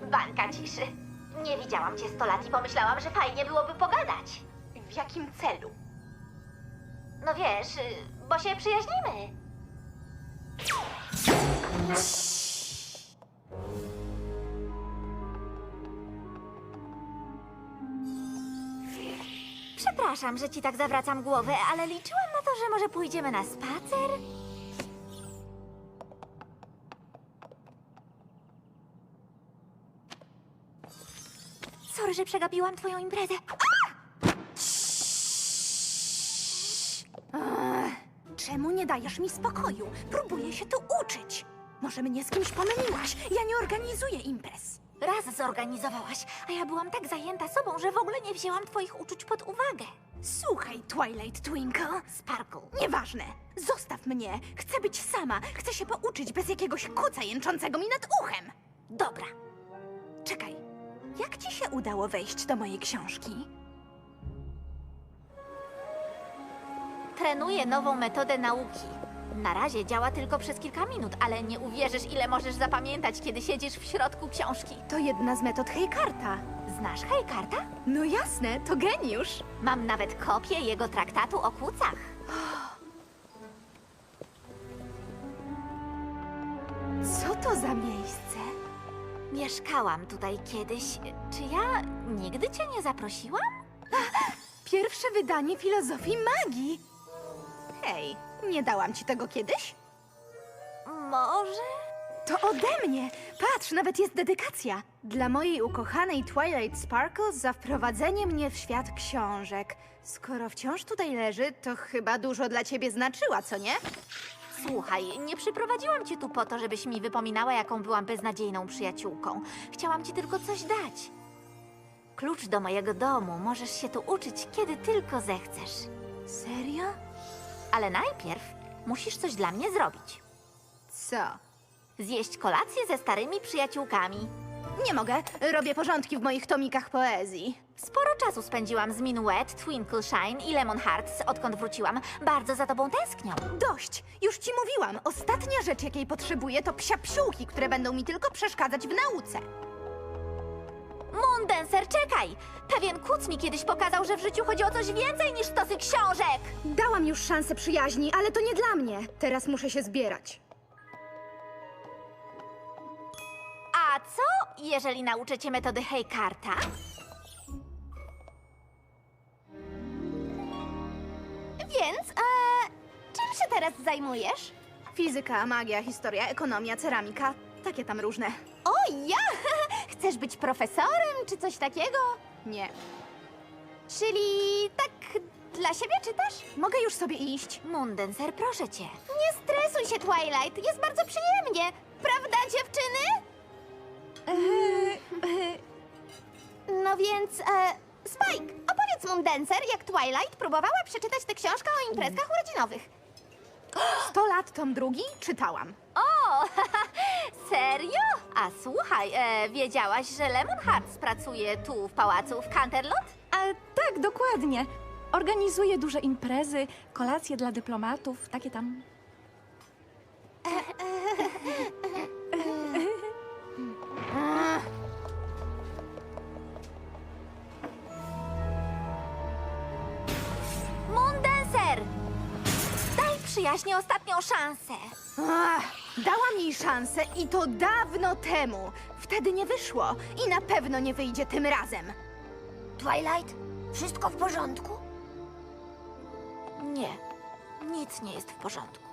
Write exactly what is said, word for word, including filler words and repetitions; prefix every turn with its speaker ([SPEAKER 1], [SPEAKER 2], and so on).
[SPEAKER 1] Bańka ciszy. Nie widziałam cię sto lat i pomyślałam, że fajnie byłoby pogadać.
[SPEAKER 2] W jakim celu?
[SPEAKER 1] No wiesz, y, bo się przyjaźnimy. Przepraszam, że ci tak zawracam głowę, ale liczyłam na to, że może pójdziemy na spacer? Sorry, że przegapiłam twoją imprezę.
[SPEAKER 2] Czemu nie dajesz mi spokoju? Próbuję się tu uczyć. Może mnie z kimś pomyliłaś? Ja nie organizuję imprez.
[SPEAKER 1] Raz zorganizowałaś, a ja byłam tak zajęta sobą, że w ogóle nie wzięłam twoich uczuć pod uwagę.
[SPEAKER 2] Słuchaj, Twilight Twinkle.
[SPEAKER 1] Sparkle.
[SPEAKER 2] Nieważne. Zostaw mnie. Chcę być sama. Chcę się pouczyć bez jakiegoś kuca jęczącego mi nad uchem.
[SPEAKER 1] Dobra.
[SPEAKER 2] Czekaj. Jak ci się udało wejść do mojej książki?
[SPEAKER 1] Trenuję nową metodę nauki. Na razie działa tylko przez kilka minut, ale nie uwierzysz, ile możesz zapamiętać, kiedy siedzisz w środku książki.
[SPEAKER 2] To jedna z metod Hejkarta.
[SPEAKER 1] Znasz Hejkarta?
[SPEAKER 2] No jasne, to geniusz.
[SPEAKER 1] Mam nawet kopię jego traktatu o kucach.
[SPEAKER 2] Co to za miejsce?
[SPEAKER 1] Mieszkałam tutaj kiedyś. Czy ja nigdy cię nie zaprosiłam?
[SPEAKER 2] Pierwsze wydanie filozofii magii. Hej, nie dałam ci tego kiedyś?
[SPEAKER 1] Może?
[SPEAKER 2] To ode mnie! Patrz, nawet jest dedykacja. Dla mojej ukochanej Twilight Sparkle za wprowadzenie mnie w świat książek. Skoro wciąż tutaj leży, to chyba dużo dla ciebie znaczyła, co nie?
[SPEAKER 1] Słuchaj, nie przyprowadziłam cię tu po to, żebyś mi wypominała, jaką byłam beznadziejną przyjaciółką. Chciałam ci tylko coś dać. Klucz do mojego domu. Możesz się tu uczyć, kiedy tylko zechcesz.
[SPEAKER 2] Serio?
[SPEAKER 1] Ale najpierw musisz coś dla mnie zrobić.
[SPEAKER 2] Co?
[SPEAKER 1] Zjeść kolację ze starymi przyjaciółkami.
[SPEAKER 2] Nie mogę. Robię porządki w moich tomikach poezji.
[SPEAKER 1] Sporo czasu spędziłam z Minuet, Twinkle Shine i Lemon Hearts, odkąd wróciłam. Bardzo za tobą tęsknią.
[SPEAKER 2] Dość! Już ci mówiłam. Ostatnia rzecz, jakiej potrzebuję, to psia psiółki, które będą mi tylko przeszkadzać w nauce.
[SPEAKER 1] Moondancer, czekaj! Pewien kuc mi kiedyś pokazał, że w życiu chodzi o coś więcej niż stosy książek!
[SPEAKER 2] Dałam już szansę przyjaźni, ale to nie dla mnie. Teraz muszę się zbierać.
[SPEAKER 1] A co, jeżeli nauczę cię metody Hejkarta? Więc, e, czym się teraz zajmujesz?
[SPEAKER 2] Fizyka, magia, historia, ekonomia, ceramika. Takie tam różne.
[SPEAKER 1] O, ja! Chcesz być profesorem, czy coś takiego?
[SPEAKER 2] Nie.
[SPEAKER 1] Czyli tak dla siebie czytasz?
[SPEAKER 2] Mogę już sobie iść?
[SPEAKER 1] Moondancer, proszę cię. Nie stresuj się, Twilight. Jest bardzo przyjemnie. Prawda, dziewczyny? No więc, e, Spike, opowiedz Moondancer, jak Twilight próbowała przeczytać tę książkę o imprezkach urodzinowych.
[SPEAKER 2] Sto lat tom drugi czytałam.
[SPEAKER 1] O, serio? A słuchaj, e, wiedziałaś, że Lemon Hearts pracuje tu w pałacu w Canterlot?
[SPEAKER 3] A tak, dokładnie. Organizuje duże imprezy, kolacje dla dyplomatów, takie tam.
[SPEAKER 1] Moondancer! Daj przyjaźni ostatnią szansę.
[SPEAKER 2] Ach, dałam jej szansę i to dawno temu. Wtedy nie wyszło i na pewno nie wyjdzie tym razem.
[SPEAKER 1] Twilight, wszystko w porządku? Nie, nic nie jest w porządku.